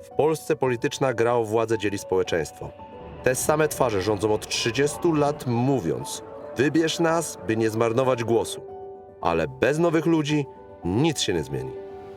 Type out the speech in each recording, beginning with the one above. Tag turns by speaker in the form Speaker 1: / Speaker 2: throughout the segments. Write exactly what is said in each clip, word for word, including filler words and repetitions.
Speaker 1: W Polsce polityczna gra o władzę dzieli społeczeństwo. Te same twarze rządzą od trzydziestu lat, mówiąc: wybierz nas, by nie zmarnować głosu. Ale bez nowych ludzi nic się nie zmieni.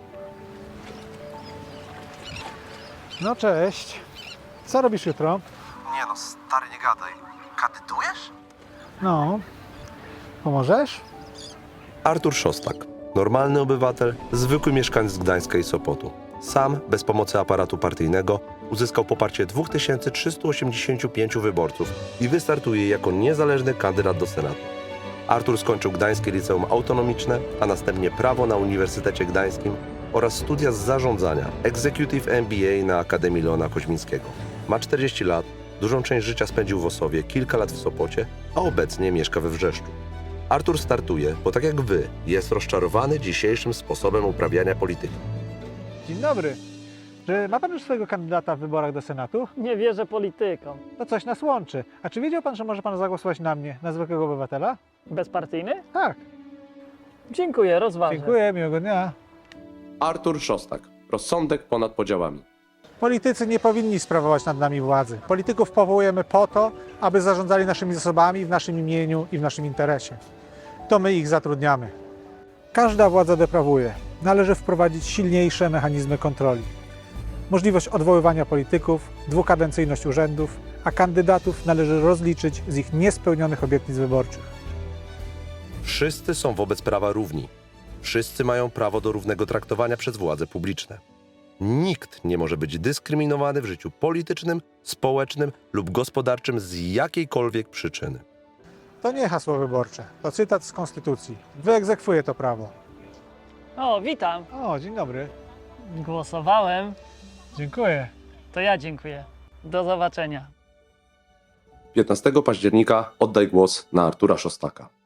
Speaker 2: No cześć. Co robisz jutro?
Speaker 1: Nie no, stary, nie gadaj. Kandydujesz?
Speaker 2: No. Pomożesz?
Speaker 1: Artur Szostak. Normalny obywatel, zwykły mieszkaniec Gdańska i Sopotu. Sam, bez pomocy aparatu partyjnego, uzyskał poparcie dwa tysiące trzysta osiemdziesiąt pięć wyborców i wystartuje jako niezależny kandydat do Senatu. Artur skończył Gdańskie Liceum Autonomiczne, a następnie prawo na Uniwersytecie Gdańskim oraz studia z zarządzania Executive M B A na Akademii Leona Koźmińskiego. Ma czterdzieści lat, dużą część życia spędził w Osowie, kilka lat w Sopocie, a obecnie mieszka we Wrzeszczu. Artur startuje, bo tak jak wy, jest rozczarowany dzisiejszym sposobem uprawiania polityki.
Speaker 2: Dzień dobry. Czy ma pan już swojego kandydata w wyborach do Senatu?
Speaker 3: Nie wierzę politykom.
Speaker 2: To coś nas łączy. A czy wiedział pan, że może pan zagłosować na mnie, na zwykłego obywatela?
Speaker 3: Bezpartyjny?
Speaker 2: Tak.
Speaker 3: Dziękuję, rozważę.
Speaker 2: Dziękuję, miłego dnia.
Speaker 1: Artur Szostak. Rozsądek ponad podziałami.
Speaker 2: Politycy nie powinni sprawować nad nami władzy. Polityków powołujemy po to, aby zarządzali naszymi zasobami w naszym imieniu i w naszym interesie. To my ich zatrudniamy. Każda władza deprawuje. Należy wprowadzić silniejsze mechanizmy kontroli. Możliwość odwoływania polityków, dwukadencyjność urzędów, a kandydatów należy rozliczyć z ich niespełnionych obietnic wyborczych.
Speaker 1: Wszyscy są wobec prawa równi. Wszyscy mają prawo do równego traktowania przez władze publiczne. Nikt nie może być dyskryminowany w życiu politycznym, społecznym lub gospodarczym z jakiejkolwiek przyczyny.
Speaker 2: To nie hasło wyborcze, to cytat z Konstytucji. Wyegzekwuję to prawo.
Speaker 3: O, witam.
Speaker 2: O, dzień dobry.
Speaker 3: Głosowałem.
Speaker 2: Dziękuję.
Speaker 3: To ja dziękuję. Do zobaczenia.
Speaker 1: piętnastego października oddaj głos na Artura Szostaka.